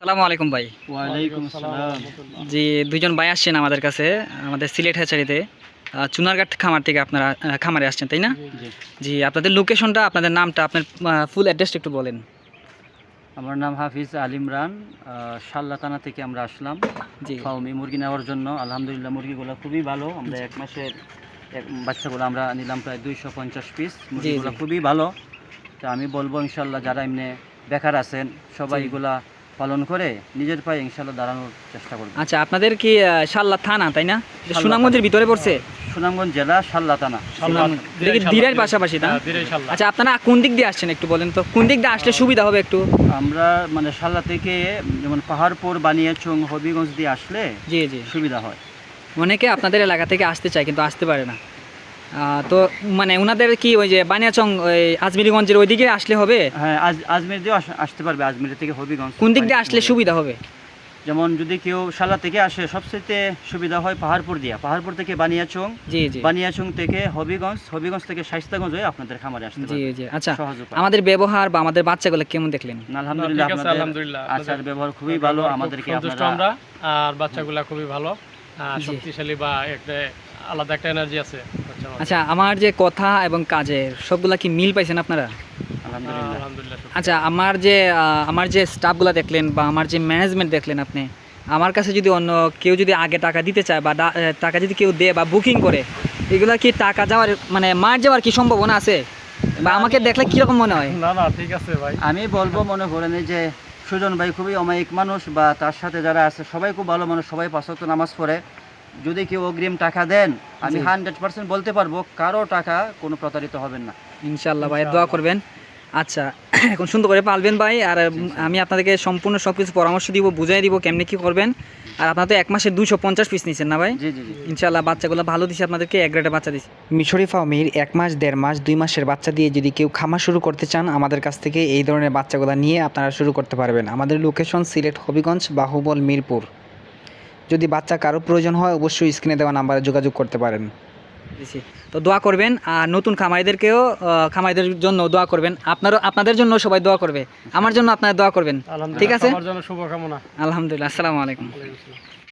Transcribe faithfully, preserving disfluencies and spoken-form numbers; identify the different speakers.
Speaker 1: আসসালামু আলাইকুম ভাই।
Speaker 2: ওয়ালাইকুম আসসালাম।
Speaker 1: জি, দুইজন ভাই আসছেন আমাদের কাছে, আমাদের সিলেট হ্যাচারিতে আহ, চুনারঘাট খামার থেকে আপনারা আহ, খামারে আসছেন, তাই না?
Speaker 2: জি,
Speaker 1: জি, আপনাদের লোকেশনটা, আপনাদের নামটা, আপনার ফুল অ্যাড্রেসটা একটু বলেন।
Speaker 2: আমার নাম হাফিজ আল ইমরান। আহ, শাল্লা থানা থেকে আমরা আসলাম
Speaker 1: জি
Speaker 2: ফাউমি মুরগি নেওয়ার জন্য। আলহামদুলিল্লাহ মুরগিগুলো খুবই ভালো। আমরা এক মাসের এক বাচ্চাগুলো আমরা নিলাম প্রায় দুইশো পঞ্চাশ পিস। মুরগিগুলো
Speaker 1: জি।
Speaker 2: খুবই ভালো। তো আমি বলবো ইনশাল্লাহ যারা এমনি বেকার আছেন সবাই
Speaker 1: জি।
Speaker 2: এগুলা পালন করে নিজের পায়ে ইনশাল্লাহ দাঁড়ানোর চেষ্টা করবে।
Speaker 1: আচ্ছা, আপনাদের কি আহ, শাল্লা থানা, তাই না? এটা
Speaker 2: শাল্লা
Speaker 1: সুনামগঞ্জের
Speaker 2: থানা।
Speaker 1: ভিতরে পড়ছে।
Speaker 2: সুনামগঞ্জ জেলা শাল্লা থানা।
Speaker 1: সুনামগঞ্জ। এটা কি দিরাইয়ের পাশাপাশি, না? আচ্ছা, আপনারা কোন দিক দিয়ে আসছেন একটু বলেন তো, কোন দিক দিয়ে আসলে সুবিধা হবে একটু?
Speaker 2: আমরা মানে শাল্লা থেকে যেমন পাহাড়পুর বানিয়াচং হবিগঞ্জ দিয়ে আসলে
Speaker 1: জি জি।
Speaker 2: সুবিধা হয়।
Speaker 1: অনেকে আপনাদের এলাকা থেকে আসতে চায় কিন্তু আসতে পারে না। আহ, তো মানে ওনাদের কি ওই যে বানিয়াচং ওই আজমিরিগঞ্জের ওইদিকে আসলে হবে?
Speaker 2: হ্যাঁ, আজ আজমির দিয়েও আস- আসতে পারবে। আজমির থেকে হবিগঞ্জ
Speaker 1: কোন দিক দিয়ে আসলে সুবিধা হবে?
Speaker 2: যেমন যদি কেউ শালা থেকে আসে সবচেয়ে সুবিধা হয় পাহাড়পুর দিয়া। পাহাড়পুর থেকে বানিয়াচং,
Speaker 1: জি জি
Speaker 2: বানিয়াচং থেকে হবিগঞ্জ, হবিগঞ্জ থেকে শাইস্তাগঞ্জ হয়ে আপনাদের খামারে আসতে
Speaker 1: জি
Speaker 2: পারবে।
Speaker 1: জি। আচ্ছা,
Speaker 2: সহজ উপায়।
Speaker 1: আমাদের ব্যবহার বা আমাদের বাচ্চাগুলো কেমন দেখলেন?
Speaker 2: আলহামদুলিল্লাহ,
Speaker 3: ঠিক আছে,
Speaker 2: আপনাদের
Speaker 3: আলহামদুলিল্লাহ।
Speaker 2: আচার ব্যবহার খুবই ভালো।
Speaker 3: খুব
Speaker 2: আমাদেরকে
Speaker 3: সন্তুষ্ট
Speaker 2: আপনারা
Speaker 3: আমরা, আর বাচ্চাগুলা খুবই ভালো, আর
Speaker 1: জি।
Speaker 3: শক্তিশালী বা একটা আলাদা একটা এনার্জি আছে বাচ্চার মধ্যে।
Speaker 1: আচ্ছা, আমার যে কথা এবং কাজের সবগুলা কি মিল পাইছেন আপনারা?
Speaker 2: আলহামদুলিল্লাহ।
Speaker 3: আলহামদুলিল্লাহ সত্যি।
Speaker 1: আচ্ছা, আমার যে আহ, আমার যে স্টাফগুলো দেখলেন বা আমার যে ম্যানেজমেন্ট দেখলেন আপনি, আমার কাছে যদি অন্য কেউ যদি আগে টাকা দিতে চায় বা ডা- আহ, টাকা যদি কেউ দেয় বা বুকিং করে, এগুলা কি টাকা যাওয়ার মানে মার যাওয়ার কি সম্ভাবনা আছে? বা আমাকে দেখলে কীরকম মনে হয়?
Speaker 3: না না, ঠিক আছে ভাই।
Speaker 2: আমি বলবো, মনে করেন এই যে সুজন ভাই খুবই অমায়িক মানুষ, বা তার সাথে যারা আছে সবাই খুব ভালো মানুষ, সবাই পাঁচ ওয়াক্ত নামাজ পড়ে। যদি কেউ অগ্রিম টাকা দেন, আমি
Speaker 1: জি।
Speaker 2: হান্ড্রেড পার্সেন্ট বলতে পারবো কারো টাকা কোনো প্রতারিত হবেন না।
Speaker 1: ইনশাল্লাহ ভাই, দোয়া করবেন। আচ্ছা, এখন সুন্দর করে পালবেন ভাই, আর উম, আমি আপনাদেরকে সম্পূর্ণ সব কিছু পরামর্শ দিব, বুঝাই দিব কেমনি কী করবেন। আর আপনারা তো এক মাসে দুশো পঞ্চাশ পিস নিচ্ছেন না ভাই?
Speaker 2: জি জি জি।
Speaker 1: ইনশাল্লাহ বাচ্চাগুলো ভালো দিছে, আপনাদেরকে এক গ্রেডের বাচ্চা দিচ্ছে। মিশরি ফার্মের এক মাস দেড় মাস দুই মাসের বাচ্চা দিয়ে যদি কেউ খামার শুরু করতে চান, আমাদের কাছ থেকে এই ধরনের বাচ্চাগুলো নিয়ে আপনারা শুরু করতে পারবেন। আমাদের লোকেশন সিলেট হবিগঞ্জ, বাহুবল, মিরপুর। যদি বাচ্চা কারো প্রয়োজন হয় অবশ্যই স্ক্রিনে দেওয়া নাম্বারে যোগাযোগ করতে পারেন। তো দোয়া করবেন, আর নতুন খামারিদেরকেও আহ, খামারিদের জন্য দোয়া করবেন। আপনারও, আপনাদের জন্য সবাই দোয়া করবে, আমার জন্য আপনারা দোয়া করবেন। ঠিক আছে,
Speaker 3: আমার জন্য শুভকামনা।
Speaker 1: আলহামদুলিল্লাহ। আসসালামু আলাইকুম।
Speaker 3: ওয়ালাইকুম আসসালাম।